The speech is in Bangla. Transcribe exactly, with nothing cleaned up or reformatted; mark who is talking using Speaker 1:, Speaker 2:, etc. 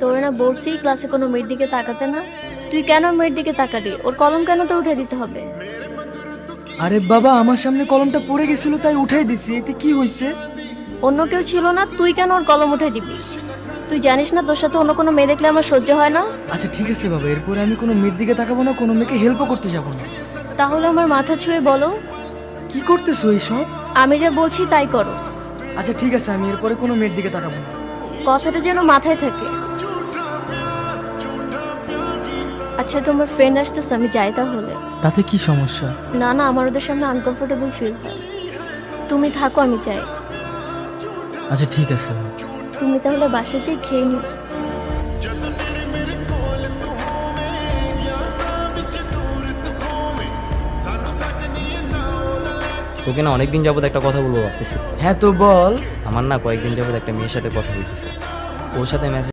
Speaker 1: তোর না বলছি ক্লাসে কোনো মেয়ের দিকে তাকাতে না। তুই কেন মেয়ের দিকে তাকালি? ওর কলম কেন তো উঠে দিতে হবে?
Speaker 2: আরে বাবা, আমার সামনে কলমটা পড়ে গেছিল তাই উঠাই দিছি, এতে কি হয়েছে?
Speaker 1: অন্য কেউ ছিল না, তুই কেন ওর কলম উঠে দিবি? তুই জানিস না তোর সাথে অন্য কোনো মেয়ে দেখলে আমার সহ্য হয় না?
Speaker 2: আচ্ছা ঠিক আছে বাবা, এরপরে আমি কোনো মেয়ের দিকে তাকাবো না, কোনো মেয়েকে হেল্পও করতে যাবো না।
Speaker 1: তাহলে আমার মাথা ছুঁয়ে বলো,
Speaker 2: কি করতেছো এইসব?
Speaker 1: আমি যা বলছি তাই করো।
Speaker 2: আচ্ছা ঠিক আছে, আমি এরপরে কোনো মেয়ের দিকে তাকাবো না।
Speaker 1: কথাটা যেন মাথায় থাকে। আচ্ছা তোমার ফ্রেন্ড আসতেছে, আমি যাই তাহলে।
Speaker 2: তাতে কি সমস্যা?
Speaker 1: না না, আমার ওদের সামনে আনকমফোর্টেবল ফিল হয়। তুমি থাকো, আমি যাই।
Speaker 2: আচ্ছা ঠিক আছে।
Speaker 1: তুমি তাহলে বাসায় যেয়ে খেয়ে নি।
Speaker 3: তোকে না অনেকদিন যাবত একটা কথা বলবো ভাবতেছি।
Speaker 2: হ্যাঁ তো বল।
Speaker 3: আমার না কয়েকদিন যাবত একটা মেয়ের সাথে কথা হইতেছে, ওর সাথে মেসেজ